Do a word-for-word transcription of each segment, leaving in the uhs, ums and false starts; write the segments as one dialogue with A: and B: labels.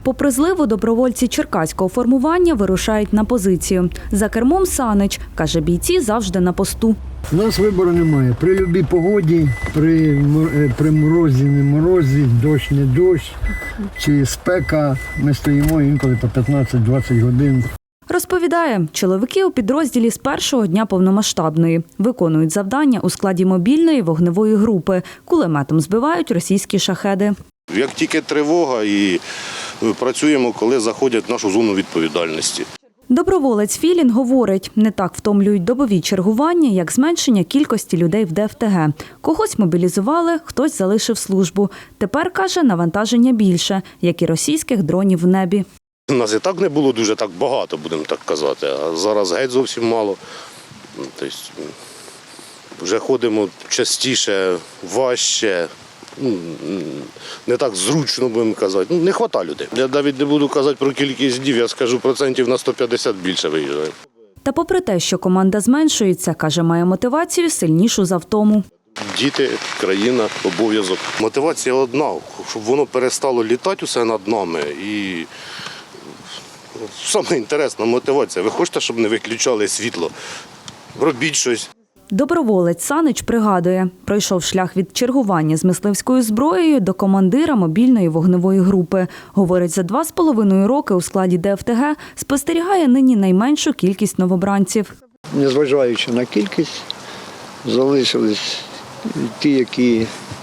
A: Попри зливу, добровольці черкаського формування вирушають на позицію. За кермом Санич, каже, бійці завжди на посту.
B: У нас вибору немає. При будь-якій погоді, при, мор- при морозі, не морозі, дощ, не дощ, чи спека, ми стоїмо інколи по п'ятнадцять-двадцять годин.
A: Розповідає, чоловіки у підрозділі з першого дня повномасштабної. Виконують завдання у складі мобільної вогневої групи. Кулеметом збивають російські шахеди.
C: Як тільки тривога, і працюємо, коли заходять в нашу зону відповідальності.
A: Доброволець Філін говорить, не так втомлюють добові чергування, як зменшення кількості людей в ДФТГ. Когось мобілізували, хтось залишив службу. Тепер, каже, навантаження більше, як і російських дронів в небі.
C: У нас і так не було дуже так багато, будемо так казати, а зараз геть зовсім мало. Тобто, вже ходимо частіше, важче, не так зручно, будемо казати. Ну, не вистачає людей. Я навіть не буду казати про кількість днів, я скажу процентів на сто п'ятдесят більше виїжджає.
A: Та попри те, що команда зменшується, каже, має мотивацію сильнішу за втому.
C: Діти, країна, обов'язок. Мотивація одна, щоб воно перестало літати усе над нами. І саме інтересна мотивація. Ви хочете, щоб не виключали світло? Робіть щось.
A: Доброволець Санич пригадує, пройшов шлях від чергування з мисливською зброєю до командира мобільної вогневої групи. Говорить, за два з половиною роки у складі ДФТГ спостерігає нині найменшу кількість новобранців.
B: Незважаючи на кількість, залишились ті, які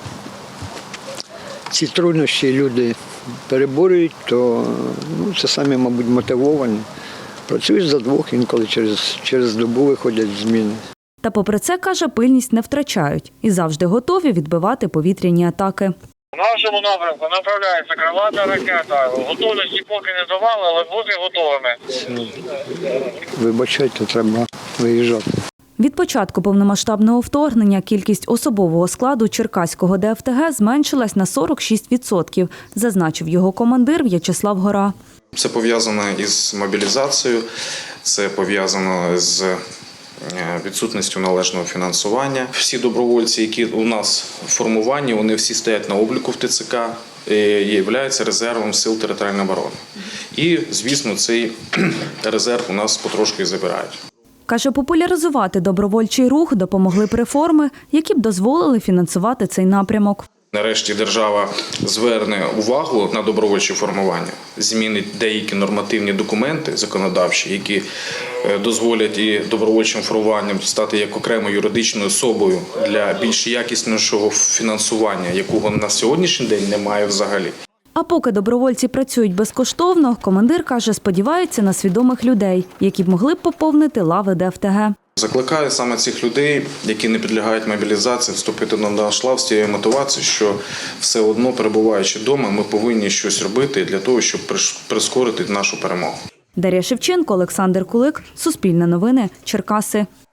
B: ці труднощі люди переборюють, то ну, це самі, мабуть, мотивовані. Працюють за двох, інколи через, через добу виходять зміни.
A: Та попри це, каже, пильність не втрачають і завжди готові відбивати повітряні атаки.
D: В нашому напрямку направляється крилата ракета. Готовності поки не давали, але бути готовими.
B: Вибачайте, треба виїжджати.
A: Від початку повномасштабного вторгнення кількість особового складу черкаського ДФТГ зменшилась на сорок шість відсотків, зазначив його командир В'ячеслав Гора.
E: Це пов'язано із мобілізацією, це пов'язано з відсутністю належного фінансування. Всі добровольці, які у нас в формуванні, вони всі стоять на обліку в ТЦК і являються резервом сил територіальної оборони. І, звісно, цей резерв у нас потрошки забирають.
A: Каже, популяризувати добровольчий рух допомогли б реформи, які б дозволили фінансувати цей напрямок.
E: Нарешті держава зверне увагу на добровольче формування, змінить деякі нормативні документи законодавчі, які дозволять і добровольчим формуванням стати як окремою юридичною особою для більш якіснішого фінансування, якого на сьогоднішній день немає взагалі.
A: А поки добровольці працюють безкоштовно, командир, каже, сподівається на свідомих людей, які б могли б поповнити лави ДФТГ.
E: Закликаю саме цих людей, які не підлягають мобілізації, вступити на наш лав з тією мотивацією, що все одно, перебуваючи вдома, ми повинні щось робити для того, щоб прискорити нашу перемогу.
A: Дар'я Шевченко, Олександр Кулик, Суспільне новини, Черкаси.